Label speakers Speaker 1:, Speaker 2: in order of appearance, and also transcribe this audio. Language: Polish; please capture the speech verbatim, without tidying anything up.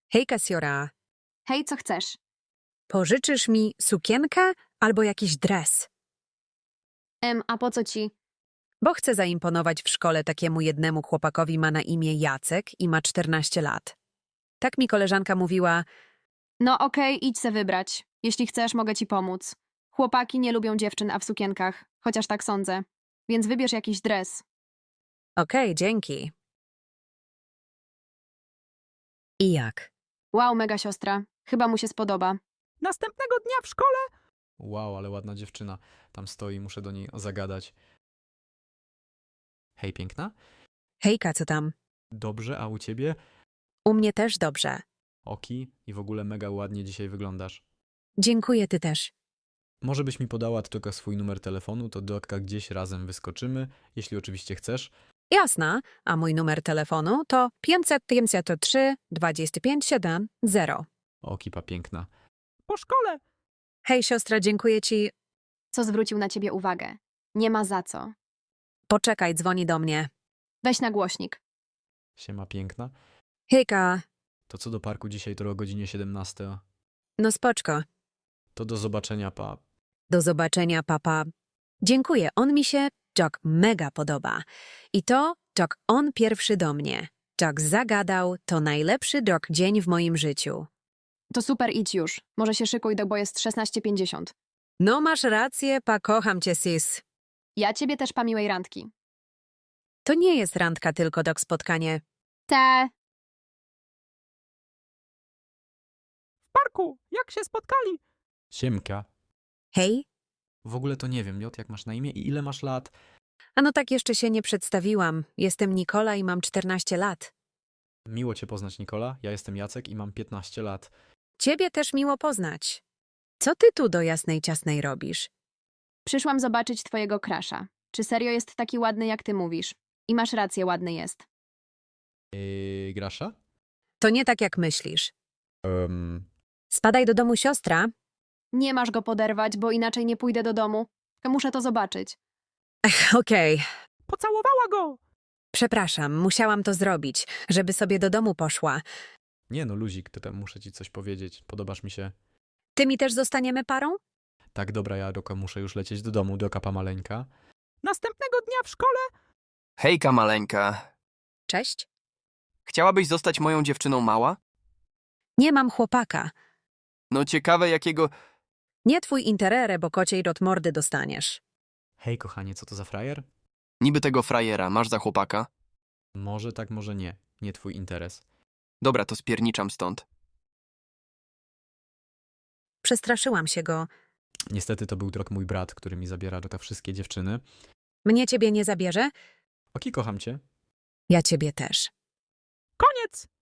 Speaker 1: Hej, Kasiora,
Speaker 2: Hej, co chcesz?
Speaker 1: pożyczysz mi sukienkę albo jakiś dres?
Speaker 2: Em, a po co ci?
Speaker 1: Bo chcę zaimponować w szkole takiemu jednemu chłopakowi, ma na imię Jacek i ma czternaście lat. Tak mi koleżanka mówiła,
Speaker 2: No okej, idź se wybrać. Jeśli chcesz, mogę ci pomóc. Chłopaki nie lubią dziewczyn, a w sukienkach. Chociaż tak sądzę. Więc wybierz jakiś dres.
Speaker 1: okej, dzięki. I jak?
Speaker 2: Wow, mega siostra. Chyba mu się spodoba.
Speaker 3: Następnego dnia w szkole. Wow, ale ładna dziewczyna. Tam stoi, muszę do niej zagadać. Hej, piękna?
Speaker 1: Hejka, co tam?
Speaker 3: Dobrze, a u ciebie?
Speaker 1: U mnie też dobrze.
Speaker 3: Oki i w ogóle mega ładnie dzisiaj wyglądasz.
Speaker 1: Dziękuję, ty też.
Speaker 3: Może byś mi podała tylko swój numer telefonu, to do Otka gdzieś razem wyskoczymy, jeśli oczywiście chcesz.
Speaker 1: Jasna, a mój numer telefonu to pięćset pięćdziesiąt trzy dwadzieścia pięć siedem zero.
Speaker 3: Okipa piękna.
Speaker 4: Po szkole.
Speaker 1: Hej, siostra, dziękuję ci.
Speaker 2: Co zwrócił na ciebie uwagę? Nie ma za co.
Speaker 1: Poczekaj, dzwoni do mnie.
Speaker 2: Weź na głośnik.
Speaker 3: Siema piękna.
Speaker 1: Hejka,
Speaker 3: To co do parku dzisiaj to o godzinie siedemnastej.
Speaker 1: no spoczko.
Speaker 3: To do zobaczenia, pa.
Speaker 1: Do zobaczenia, papa. Dziękuję, on mi się, Jack, mega podoba. I to, Jack, on pierwszy do mnie. Jack zagadał, to najlepszy Jack dzień w moim życiu.
Speaker 2: To super, idź już. Może się szykuj, do bo jest szesnaście pięćdziesiąt.
Speaker 1: No masz rację, pa, kocham cię, sis.
Speaker 2: Ja ciebie też, pa, miłej randki.
Speaker 1: To nie jest randka, tylko Jack spotkanie.
Speaker 2: Te.
Speaker 4: W parku. Jak się spotkali?
Speaker 3: Siemka.
Speaker 1: Hej?
Speaker 3: W ogóle to nie wiem, Jot, jak masz na imię i ile masz lat?
Speaker 1: A no tak jeszcze się nie przedstawiłam. Jestem Nikola i mam czternaście lat.
Speaker 3: Miło cię poznać, Nikola. Ja jestem Jacek i mam piętnaście lat.
Speaker 1: Ciebie też miło poznać. Co ty tu do jasnej ciasnej robisz?
Speaker 2: Przyszłam zobaczyć twojego krasza. Czy serio jest taki ładny, jak ty mówisz? I masz rację, ładny jest.
Speaker 3: Yy, Grasza?
Speaker 1: To nie tak, jak myślisz.
Speaker 3: Um,
Speaker 1: Spadaj do domu, siostra.
Speaker 2: Nie masz go poderwać, bo inaczej nie pójdę do domu. Muszę to zobaczyć.
Speaker 1: Ech, okej.
Speaker 4: Pocałowała go.
Speaker 1: Przepraszam, musiałam to zrobić, żeby sobie do domu poszła.
Speaker 3: nie no, luzik, to tam muszę ci coś powiedzieć. Podobasz mi się.
Speaker 1: Ty mi też zostaniemy parą?
Speaker 3: Tak, dobra, ja Doka muszę już lecieć do domu, do kapa maleńka.
Speaker 4: Następnego dnia w szkole.
Speaker 5: Hejka, maleńka.
Speaker 1: Cześć.
Speaker 5: Chciałabyś zostać moją dziewczyną mała?
Speaker 1: Nie mam chłopaka.
Speaker 5: No ciekawe jakiego...
Speaker 1: Nie twój interere, bo kociej rot mordy dostaniesz.
Speaker 3: Hej, kochanie, co to za frajer?
Speaker 5: Niby tego frajera masz za chłopaka?
Speaker 3: Może tak, może nie. Nie twój interes.
Speaker 5: Dobra, to spierniczam stąd.
Speaker 1: Przestraszyłam się go.
Speaker 3: Niestety to był drog mój brat, który mi zabiera Doka wszystkie dziewczyny.
Speaker 1: Mnie ciebie nie zabierze?
Speaker 3: Oki, kocham cię.
Speaker 1: Ja ciebie też.
Speaker 4: Koniec.